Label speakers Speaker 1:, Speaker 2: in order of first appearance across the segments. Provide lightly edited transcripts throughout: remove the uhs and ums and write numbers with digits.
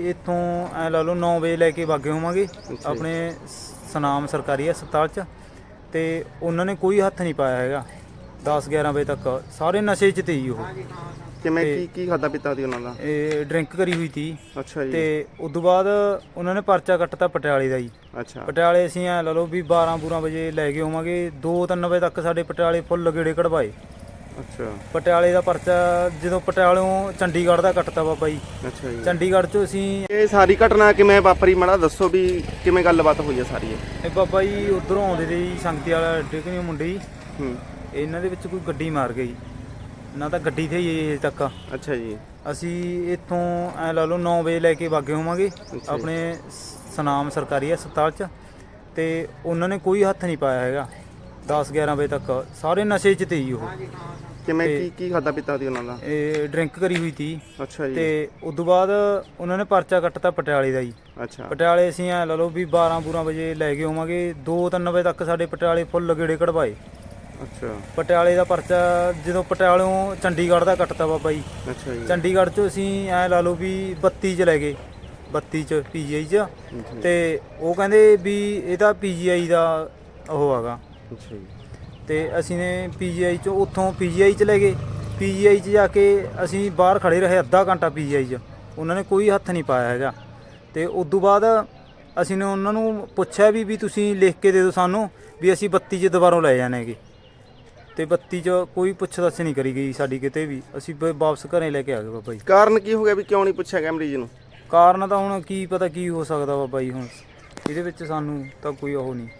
Speaker 1: ਇੱਥੋਂ ਐ ਲਾ ਲਓ 9 ਵਜੇ ਲੈ ਕੇ ਵਾਗੇ ਹੋਵਾਂਗੇ ਆਪਣੇ ਸਨਾਮ ਸਰਕਾਰੀ ਹਸਪਤਾਲ 'ਚ, ਤੇ ਉਹਨਾਂ ਨੇ ਕੋਈ ਹੱਥ ਨਹੀਂ ਪਾਇਆ ਹੈਗਾ 10-11 ਵਜੇ ਤੱਕ। ਸਾਰੇ ਨਸ਼ੇ 'ਚ ਤੇ ਹੀ ਉਹ।
Speaker 2: ਕਿਵੇਂ ਕੀ ਖਾਦਾ ਪੀਤਾ ਸੀ ਉਹਨਾਂ ਦਾ?
Speaker 1: ਇਹ ਡਰਿੰਕ ਕਰੀ ਹੋਈ ਸੀ।
Speaker 2: ਅੱਛਾ ਜੀ।
Speaker 1: ਤੇ ਉਸ ਤੋਂ ਬਾਅਦ ਉਹਨਾਂ ਨੇ ਪਰਚਾ ਕੱਟਤਾ ਪਟਿਆਲੇ ਦਾ ਜੀ।
Speaker 2: ਅੱਛਾ।
Speaker 1: ਪਟਿਆਲੇ ਅਸੀਂ ਐ ਲਾ ਲਓ ਵੀ 12-12 ਵਜੇ ਲੈ ਕੇ ਹੋਵਾਂਗੇ, 2-3 ਵਜੇ ਤੱਕ ਸਾਡੇ ਪਟਿਆਲੇ ਫੁੱਲ ਗੇੜੇ ਕਢਵਾਏ।
Speaker 2: ਅੱਛਾ।
Speaker 1: ਪਟਿਆਲੇ ਦਾ ਪਰਚਾ ਜਦੋਂ ਪਟਿਆਲਿਓਂ ਚੰਡੀਗੜ੍ਹ ਦਾ ਕੱਟਤਾ ਬਾਬਾ ਜੀ।
Speaker 2: ਅੱਛਾ ਜੀ।
Speaker 1: ਚੰਡੀਗੜ੍ਹ 'ਚੋਂ ਅਸੀਂ
Speaker 2: ਇਹ ਸਾਰੀ ਘਟਨਾ ਕਿਵੇਂ ਵਾਪਰੀ, ਮਾੜਾ ਦੱਸੋ ਵੀ ਕਿਵੇਂ ਗੱਲਬਾਤ ਹੋਈ ਹੈ ਸਾਰੀ
Speaker 1: ਇਹ ਬਾਬਾ ਜੀ ਉਧਰੋਂ ਆਉਂਦੇ ਤੇ ਜੀ ਸੰਗਤੀ ਵਾਲਾ ਡਿੱਗਣੀ ਮੁੰਡੇ ਜੀ। ਇਹਨਾਂ ਦੇ ਵਿੱਚ ਕੋਈ ਗੱਡੀ ਮਾਰ ਗਈ, ਨਾ ਤਾਂ ਗੱਡੀ ਤੇ ਹੀ ਅਜੇ ਤੱਕ।
Speaker 2: ਅੱਛਾ ਜੀ।
Speaker 1: ਅਸੀਂ ਇੱਥੋਂ ਐ ਲਾ ਲਓ 9 ਵਜੇ ਲੈ ਕੇ ਵਾਗੇ ਹੋਵਾਂਗੇ ਆਪਣੇ ਸਨਾਮ ਸਰਕਾਰੀ ਹਸਪਤਾਲ 'ਚ, ਤੇ ਉਹਨਾਂ ਨੇ ਕੋਈ ਹੱਥ ਨਹੀਂ ਪਾਇਆ ਹੈਗਾ 10-11 ਵਜੇ ਤੱਕ। ਸਾਰੇ ਨਸ਼ੇ 'ਚ ਤੇ ਹੀ ਉਹ।
Speaker 2: ਕਿਵੇਂ ਕੀ ਖਾਦਾ ਪੀਤਾ ਸੀ ਉਹਨਾਂ ਦਾ?
Speaker 1: ਇਹ ਡਰਿੰਕ ਕਰੀ ਹੋਈ ਸੀ।
Speaker 2: ਅੱਛਾ ਜੀ।
Speaker 1: ਤੇ ਉਸ ਤੋਂ ਬਾਅਦ ਉਹਨਾਂ ਨੇ ਪਰਚਾ ਕੱਟਤਾ ਪਟਿਆਲੇ ਦਾ ਜੀ।
Speaker 2: ਅੱਛਾ।
Speaker 1: ਪਟਿਆਲੇ ਅਸੀਂ ਐ ਲਾ ਲਓ ਵੀ 12-12 ਵਜੇ ਲੈ ਕੇ ਹੋਵਾਂਗੇ, 2-3 ਵਜੇ ਤੱਕ ਸਾਡੇ ਪਟਿਆਲੇ ਫੁੱਲ ਗੇੜੇ ਕਢਵਾਏ।
Speaker 2: ਅੱਛਾ।
Speaker 1: ਪਟਿਆਲੇ ਦਾ ਪਰਚਾ ਜਦੋਂ ਪਟਿਆਲਿਓਂ ਚੰਡੀਗੜ੍ਹ ਦਾ ਕੱਟਤਾ ਬਾਬਾ ਜੀ।
Speaker 2: ਅੱਛਾ ਜੀ।
Speaker 1: ਚੰਡੀਗੜ੍ਹ 'ਚੋਂ ਅਸੀਂ ਐ ਲਾ ਲਓ ਵੀ 32 'ਚ ਲੈ ਗਏ, 32 'ਚ PGI 'ਚ। ਤੇ ਉਹ ਕਹਿੰਦੇ ਵੀ ਇਹ ਤਾਂ PGI ਦਾ ਉਹ ਹੈਗਾ।
Speaker 2: ਅੱਛਾ ਜੀ।
Speaker 1: ਤੇ ਅਸੀਂ ਨੇ PGI 'ਚੋਂ ਉੱਥੋਂ PGI 'ਚ ਲੈ ਗਏ। PGI 'ਚ ਜਾ ਕੇ ਅਸੀਂ ਬਾਹਰ ਖੜੇ ਰਹੇ ਅੱਧਾ ਘੰਟਾ PGI 'ਚ, ਉਹਨਾਂ ਨੇ ਕੋਈ ਹੱਥ ਨਹੀਂ ਪਾਇਆ ਹੈਗਾ। ਤੇ ਉਸ ਤੋਂ ਬਾਅਦ ਅਸੀਂ ਨੇ ਉਹਨਾਂ ਨੂੰ ਪੁੱਛਿਆ ਵੀ ਤੁਸੀਂ ਲਿਖ ਕੇ ਦੇ ਦਿਓ ਸਾਨੂੰ ਵੀ ਅਸੀਂ 32 'ਚ ਦੁਬਾਰੋਂ ਲੈ ਜਾਣੇ ਹੈਗੇ। ਤੇ 32 'ਚ ਕੋਈ ਪੁੱਛ ਦੱਸ ਨਹੀਂ ਕਰੀ ਗਈ ਸਾਡੀ ਕਿਤੇ ਵੀ। ਅਸੀਂ ਵਾਪਸ ਘਰੇ ਲੈ ਕੇ ਆ ਗਏ ਬਾਬਾ ਜੀ।
Speaker 2: ਕਾਰਨ ਕੀ ਹੋ ਗਿਆ ਵੀ ਕਿਉਂ ਨਹੀਂ ਪੁੱਛਿਆ ਗਿਆ ਮਰੀਜ਼ ਨੂੰ?
Speaker 1: ਕਾਰਨ ਤਾਂ ਹੁਣ ਕੀ ਪਤਾ ਕੀ ਹੋ ਸਕਦਾ ਬਾਬਾ ਜੀ, ਹੁਣ ਇਹਦੇ ਵਿੱਚ ਸਾਨੂੰ ਤਾਂ ਕੋਈ ਉਹ ਨਹੀਂ।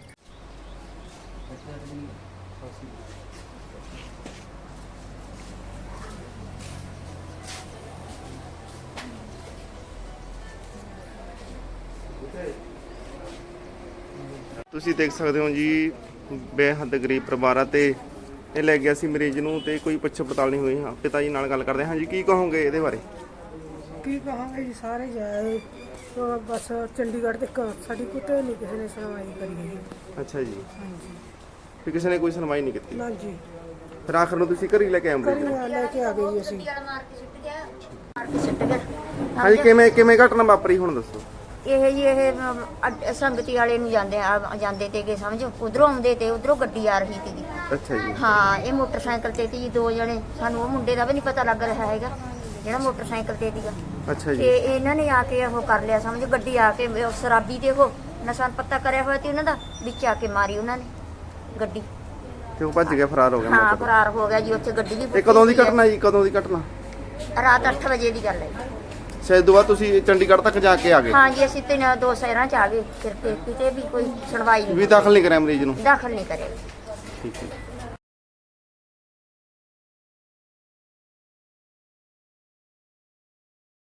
Speaker 2: ਤੁਸੀਂ ਦੇਖ ਸਕਦੇ ਹੋ ਜੀ, ਬੇਹੱਦ ਗਰੀਬ ਪਰਿਵਾਰ ਆ ਤੇ ਇਹ ਲੈ ਗਿਆ ਸੀ ਮਰੀਜ਼ ਨੂੰ ਤੇ ਕੋਈ ਪੁੱਛ ਪੜਤਾਲ ਨਹੀਂ ਹੋਈ। ਹਾਂ, ਪਿਤਾ ਜੀ ਨਾਲ ਗੱਲ ਕਰਦੇ ਹਾਂ ਜੀ, ਕੀ ਕਹੋਗੇ ਇਹਦੇ ਬਾਰੇ?
Speaker 3: ਕੀ ਕਹਾਂਗੇ ਜੀ, ਸਾਰੇ ਜਾਏ तो बस चंडीगढ़ तक साड़ी कुत्ते नहीं किसी ने सुनवाई करी गई।
Speaker 2: ਅੱਛਾ ਜੀ।
Speaker 3: हाँ जी।
Speaker 2: ਫਿਰ ਕਿਸੇ ਨੇ ਕੋਈ ਸੁਣਵਾਈ ਨਹੀਂ ਕੀਤੀ?
Speaker 3: ना जी।
Speaker 2: ਫਿਰ ਆਖਰ ਨੂੰ ਤੁਸੀਂ ਘਰ ਹੀ ਲੈ ਕੇ ਆਏ ਮਰੀਜ਼ ਨੂੰ?
Speaker 3: करी लेके आ गई असी।
Speaker 2: ਹਾਂਜੀ, ਕਿਵੇਂ ਘਟਨਾ ਵਾਪਰੀ ਹੁਣ ਦੱਸੋ।
Speaker 4: ਇਹ ਸੰਗਤੀ ਵਾਲੇ ਨੂੰ ਜਾਂਦੇ ਤੇ ਸਮਝੋ, ਉਧਰੋਂ ਆਉਂਦੇ ਤੇ ਉਧਰੋਂ ਗੱਡੀ ਆ ਰਹੀ ਸੀਗੀ।
Speaker 2: ਅੱਛਾ ਜੀ।
Speaker 4: ਹਾਂ, ਇਹ ਮੋਟਰਸਾਈਕਲ ਤੇ ਸੀ 2 ਜਣੇ। ਸਾਨੂੰ ਉਹ ਮੁੰਡੇ ਦਾ ਵੀ ਨਹੀਂ ਪਤਾ ਲੱਗ ਰਿਹਾ ਹੈਗਾ ਜਿਹੜਾ ਮੋਟਰਸਾਈਕਲ ਤੇ ਸੀਗਾ।
Speaker 2: ਅੱਛਾ ਜੀ।
Speaker 4: ਤੇ ਇਹਨਾਂ ਨੇ ਆ ਕੇ ਉਹ ਕਰ ਲਿਆ, ਸਮਝੋ ਗੱਡੀ ਆ ਕੇ ਸ਼ਰਾਬੀ ਦੇ ਉਹ ਨਸ਼ਾ ਪੱਤਾ ਕਰਿਆ ਹੋਇਆ ਸੀ ਉਹਨਾਂ ਦਾ, ਵਿੱਚ ਆ ਕੇ ਮਾਰੀ ਉਹਨਾਂ ਨੇ ਗੱਡੀ।
Speaker 2: ਤੇ ਉਹ ਭੱਜ ਗਿਆ, ਫਰਾਰ ਹੋ ਗਿਆ
Speaker 4: ਹਾਂ,
Speaker 2: ਮੌਕੇ ਤੋਂ।
Speaker 4: ਫਰਾਰ ਹੋ ਗਿਆ ਜੀ। ਉੱਥੇ ਗੱਡੀ ਵੀ
Speaker 2: ਇਹ ਕਦੋਂ ਦੀ ਘਟਨਾ ਜੀ, ਕਦੋਂ ਦੀ ਘਟਨਾ?
Speaker 4: ਰਾਤ 8 ਵਜੇ ਦੀ ਗੱਲ ਹੈ।
Speaker 2: ਸ਼ਾਇਦ ਦੁਬਾਰਾ ਤੁਸੀਂ ਚੰਡੀਗੜ੍ਹ ਤੱਕ ਜਾ ਕੇ ਆ ਗਏ?
Speaker 4: ਹਾਂ ਜੀ, ਅਸੀਂ ਤੇ 2 ਸ਼ਹਿਰਾਂ ਚ ਆ ਗਏ ਫਿਰ ਤੇ ਕਿਤੇ ਵੀ ਕੋਈ ਸੁਣਵਾਈ
Speaker 2: ਵੀ
Speaker 4: ਨਹੀਂ,
Speaker 2: ਦਾਖਲ ਨਹੀਂ ਕਰਿਆ ਮਰੀਜ਼ ਨੂੰ?
Speaker 4: ਦਾਖਲ ਨਹੀਂ ਕਰਿਆ।
Speaker 2: ਠੀਕ ਹੈ।